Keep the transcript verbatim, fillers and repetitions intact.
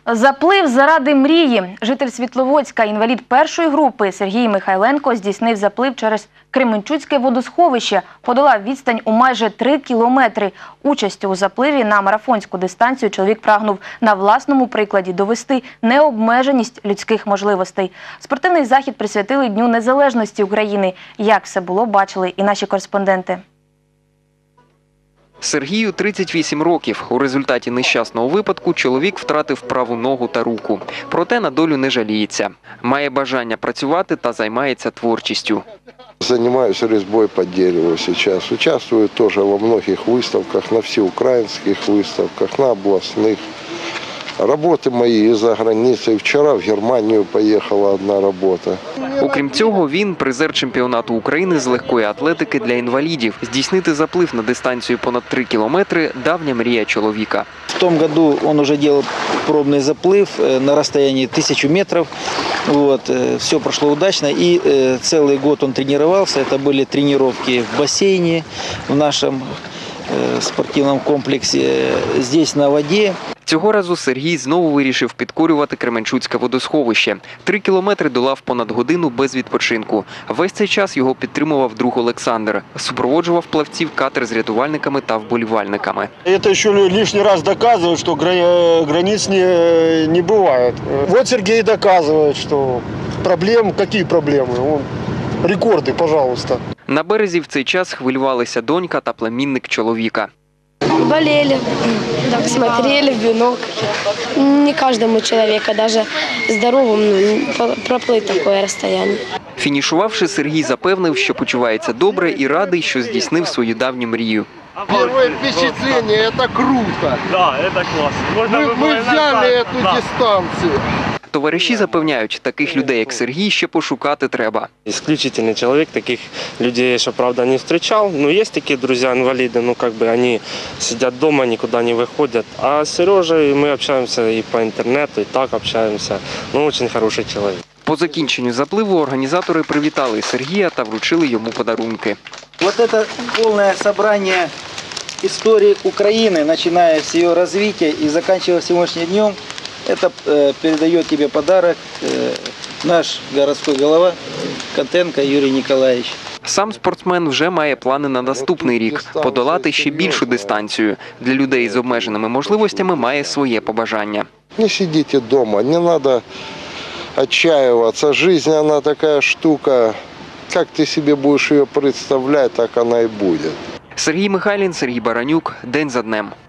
Заплив заради мрії. Житель Світловодська, інвалід першої групи Сергій Михайленко здійснив заплив через Кременчуцьке водосховище. Подолав відстань у майже три кілометри. Участю у запливі на марафонську дистанцію чоловік прагнув на власному прикладі довести необмеженість людських можливостей. Спортивний захід присвятили Дню Незалежності України. Як все було, бачили і наші кореспонденти. Сергію тридцять вісім років. У результаті нещасного випадку чоловік втратив праву ногу та руку. Проте на долю не жаліється. Має бажання працювати та займається творчістю. Занимаюсь резьбой по дереву сейчас. Участвую тоже во многих выставках, на всеукраинских выставках, на областных. Работы мои из-за границы. Вчера в Германию поехала одна робота. Окрім цього, він призер чемпіонату України з легкої атлетики для інвалідів. Здійснити заплив на дистанцію понад три кілометри – давня мрія чоловіка. В том году он уже делал пробный заплыв на расстоянии тысячи метров. Вот. Все прошло удачно. И целый год он тренировался. Это были тренировки в бассейне, в нашем спортивном комплексе, здесь на воде. Цього разу Сергій знову вирішив підкорювати Кременчуцьке водосховище. Три кілометри долав понад годину без відпочинку. Весь цей час його підтримував друг Олександр. Супроводжував плавців катер з рятувальниками та вболівальниками. Це ще лишній раз доказує, що границь не, не буває. Вот Сергій доказує, що проблем, які проблеми? Рекорди, пожалуйста. На березі в цей час хвилювалися донька та племінник чоловіка. Болели, так смотрели в бинокль. Не каждому человеку, даже здоровому, проплыть такое расстояние. Фінішувавши, Сергій запевнив, що почувається добре і радий, що здійснив свою давню мрію. Первое впечатление – это круто. Да, это классно. Мы, мы взяли эту да. дистанцию. Товариші запевняють, таких людей, як Сергій, ще пошукати треба. Исключительный человек, таких людей я еще, правда, не встречал. Но есть такие друзья-инвалиды, ну, как бы они сидят дома, никуда не выходят. А с Сережей мы общаемся и по интернету, и так общаемся. Ну, очень хороший человек. По закінченню запливу організатори привітали Сергія та вручили йому подарунки. Вот это полное собрание истории Украины, начиная с ее развития и заканчивая сегодняшним днем. Это э, передает тебе подарок э, наш городской голова Контенко Юрий Николаевич. Сам спортсмен вже має плани на наступний рік – подолати ще більшу дистанцію. Для людей з обмеженими можливостями має своє побажання. Не сидите дома, не надо отчаиваться. Жизнь, она такая штука, как ты себе будешь ее представлять, так она и будет. Сергій Михайлін, Сергій Баранюк. День за днем.